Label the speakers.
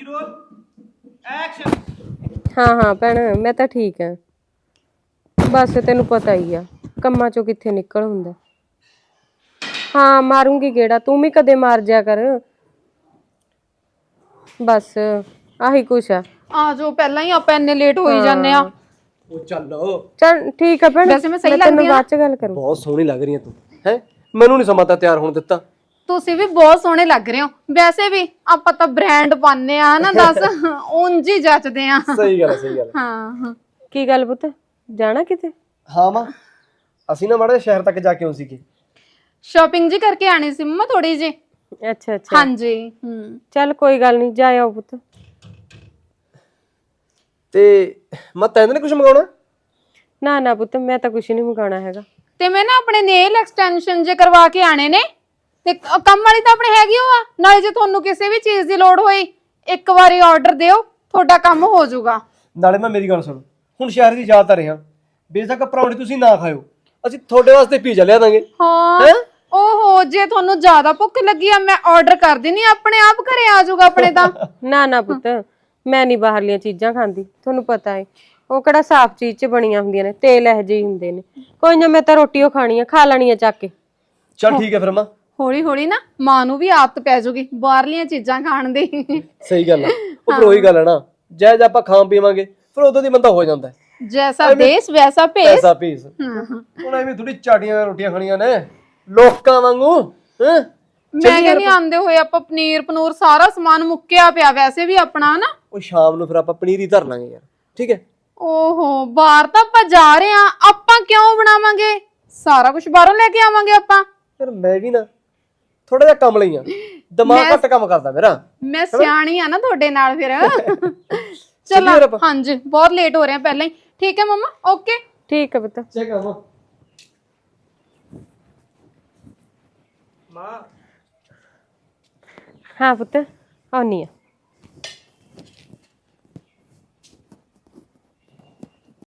Speaker 1: ਹਾਂ ਹਾਂ ਭੈਣ ਮੈਂ ਤਾਂ ਠੀਕ ਆ ਬਸ ਤੈਨੂੰ ਪਤਾ ਹੀ ਆ ਕੰਮਾਂ ਚੋਂ ਕਿੱਥੇ ਨਿਕਲ ਹੁੰਦਾ ਹਾਂ ਮਾਰੂੰਗੀ ਗੇੜਾ ਤੂੰ ਵੀ ਕਦੇ ਮਾਰ ਜਾ ਕਰ ਬਸ ਆਹੀ ਕੁਛ ਆ
Speaker 2: ਜਾਓ ਪਹਿਲਾਂ ਹੀ ਆਪਾਂ ਇੰਨੇ ਲੇਟ ਹੋਈ ਜਾਂਦੇ ਆ
Speaker 3: ਉਹ ਚੱਲ
Speaker 1: ਠੀਕ ਆ ਭੈਣ
Speaker 2: ਵੈਸੇ ਮੈਂ ਸਹੀ ਲੱਗਦੀ ਆ
Speaker 1: ਬਾਅਦ ਚ ਗੱਲ ਕਰੂੰ
Speaker 3: ਬਹੁਤ ਸੋਹਣੀ ਲੱਗ ਰਹੀ ਹੈ ਤੂੰ ਹੈ ਮੈਨੂੰ ਨਹੀਂ ਸਮਾਂ ਤਾਂ ਤਿਆਰ ਹੋਣ ਦਿੱਤਾ
Speaker 2: ਤੁਸੀਂ ਵੀ ਬਹੁਤ ਸੋਹਣੇ ਲੱਗ ਰਹੇ ਹੋ ਵੈਸੇ ਵੀ ਆਪਾਂ ਤਾਂ ਬ੍ਰਾਂਡ ਪਾਉਂਦੇ ਆ ਨਾ ਦੱਸ ਉਂਝ ਹੀ ਜੱਚਦੇ ਆ
Speaker 3: ਸਹੀ ਗੱਲ
Speaker 2: ਹਾਂ
Speaker 1: ਕੀ ਗੱਲ ਪੁੱਤ ਜਾਣਾ ਕਿਤੇ
Speaker 3: ਹਾਂ ਮਾਂ ਅਸੀਂ ਨਾ ਮਾੜੇ ਸ਼ਹਿਰ ਤੱਕ ਜਾ ਕੇ ਆਉਂ ਸੀਗੇ
Speaker 2: ਸ਼ਾਪਿੰਗ ਜੀ ਕਰਕੇ ਆਣੀ ਸੀ ਮੰਮਾ ਥੋੜੀ ਜੀ
Speaker 1: ਅੱਛਾ ਅੱਛਾ
Speaker 2: ਹਾਂਜੀ
Speaker 1: ਚੱਲ ਕੋਈ ਗੱਲ ਨਹੀਂ ਜਾ ਆਓ ਪੁੱਤ
Speaker 3: ਤੇ ਮੈਂ ਤੈਨੂੰ ਨਹੀਂ ਕੁਝ ਮੰਗਾਉਣਾ
Speaker 1: ਨਾ ਨਾ ਪੁੱਤ ਮੈਂ ਤਾਂ ਕੁਛ ਨਹੀਂ ਮੰਗਾਉਣਾ ਹੈਗਾ
Speaker 2: ਤੇ ਮੈਂ ਨਾ ਆਪਣੇ ਨੇਲ ਐਕਸਟੈਂਸ਼ਨ ਜੇ ਕਰਵਾ ਕੇ ਆਣੇ ਨੇ ਤੇ ਕੰਮ ਵਾਲੀ ਤਾਂ ਆਪਣੇ ਹੈਗੀ ਹੋ ਆ ਨਾਲੇ ਜੇ ਤੁਹਾਨੂੰ ਕਿਸੇ ਵੀ ਚੀਜ਼ ਦੀ ਲੋੜ ਹੋਈ ਇੱਕ ਵਾਰੀ ਆਰਡਰ ਦਿਓ ਤੁਹਾਡਾ ਕੰਮ ਹੋ ਜਾਊਗਾ
Speaker 3: ਨਾਲੇ ਮੈਂ ਮੇਰੀ ਗੱਲ ਸੁਣ ਹੁਣ ਸ਼ਹਿਰ ਦੀ ਯਾਦ ਤਾਂ ਰਿਹਾ ਬੇਸ਼ੱਕ ਪਰੌਂਠੀ ਤੁਸੀਂ ਨਾ ਖਾਇਓ ਅਸੀਂ ਤੁਹਾਡੇ ਵਾਸਤੇ ਪੀਜ਼ਾ ਲਿਆ ਦਾਂਗੇ
Speaker 2: ਹਾਂ ਓਹੋ ਜੇ ਤੁਹਾਨੂੰ ਜ਼ਿਆਦਾ ਭੁੱਖ ਲੱਗੀ ਆ ਮੈਂ ਆਰਡਰ ਕਰ ਦਿੰਨੀ ਆਪਣੇ ਆਪ ਘਰੇ ਆ ਜਾਊਗਾ ਆਪਣੇ ਤਾਂ
Speaker 1: ਨਾ ਨਾ ਪੁੱਤ ਮੈਂ ਨਹੀਂ ਬਾਹਰਲੀਆਂ ਚੀਜ਼ਾਂ ਖਾਂਦੀ ਤੁਹਾਨੂੰ ਪਤਾ ਹੈ ਉਹ ਕਿਹੜਾ ਸਾਫ਼ ਚੀਜ਼ 'ਚ ਬਣੀਆਂ ਹੁੰਦੀਆਂ ਨੇ ਤੇਲ ਇਹੋ ਜਿਹੇ ਹੁੰਦੇ ਨੇ ਕੋਈ ਨਾ ਮੈਂ ਤਾਂ ਰੋਟੀ ਉਹ ਖਾਣੀ ਆ ਖਾ ਲੈਣੀ ਆ ਚੱਕ ਕੇ
Speaker 3: ਚੱਲ ਠੀਕ ਹੈ ਫਿਰ ਮਾਂ
Speaker 2: ਹੌਲੀ ਹੌਲੀ ਨਾ ਮਾਂ ਨੂੰ ਵੀ ਆਦਤ ਪੈ ਜਾਊਗੀ ਬਾਹਰਲੀਆਂ ਚੀਜ਼ਾਂ ਖਾਣ ਦੀ
Speaker 3: ਸਹੀ ਗੱਲ ਆ ਉਹ ਪਰ ਉਹੀ ਗੱਲ ਹੈ ਨਾ ਜੈ ਆਪਾਂ ਖਾਂ ਪੀਵਾਂਗੇ ਫਿਰ ਉਦੋਂ ਦੀ ਬੰਦਾ ਹੋ ਜਾਂਦਾ
Speaker 2: ਜੈਸਾ ਦੇਸ਼ ਵੈਸਾ ਭੇਸ
Speaker 3: ਪੈਸਾ ਪੀਸ ਹੁਣ ਐਵੇਂ ਥੋੜੀ ਚਾਟੀਆਂ ਰੋਟੀਆਂ ਖਾਣੀਆਂ ਨੇ ਲੋਕਾਂ ਵਾਂਗੂ ਹੈ
Speaker 2: ਮੈਂ ਕਹਿੰਦੀ ਆਂਦੇ ਹੋਏ ਆਪਾਂ ਪਨੀਰ ਪਨੂਰ ਸਾਰਾ ਸਮਾਨ ਮੁੱਕਿਆ ਪਿਆ ਵੈਸੇ ਵੀ ਆਪਣਾ ਨਾ
Speaker 3: ਉਹ ਸ਼ਾਮ ਨੂੰ ਫਿਰ ਆਪਾਂ ਪਨੀਰ ਹੀ ਧਰ ਲਾਂਗੇ ਯਾਰ ਠੀਕ ਹੈ
Speaker 2: ਓਹੋ ਬਾਹਰ ਤਾਂ ਆਪਾਂ ਜਾ ਰਹੇ ਆ ਆਪਾਂ ਕਿਉਂ ਬਣਾਵਾਂਗੇ ਸਾਰਾ ਕੁਝ ਬਾਹਰੋਂ ਲੈ ਕੇ ਆਵਾਂਗੇ ਆਪਾਂ
Speaker 3: ਫਿਰ ਮੈਂ ਵੀ ਨਾ ਥੋੜਾ ਜਿਹਾ ਕੰਮ ਲਈ ਆ ਦਿਮਾਗ ਘੱਟ ਕੰਮ ਕਰਦਾ ਮੇਰਾ
Speaker 2: ਮੈਂ ਸਿਆਣੀ ਆ ਨਾ ਤੁਹਾਡੇ ਨਾਲ ਫਿਰ ਚਲੋ ਹਾਂਜੀ ਬਹੁਤ ਲੇਟ ਹੋ ਰਹੇ ਆ ਪਹਿਲਾਂ ਹੀ ਠੀਕ ਹੈ ਮੰਮਾ ਓਕੇ
Speaker 1: ਠੀਕ ਹੈ ਪੁੱਤ
Speaker 3: ਚੈੱਕ ਆ ਮਾਂ
Speaker 1: ਹਾਂ ਪੁੱਤ ਆਉਣੀ ਆ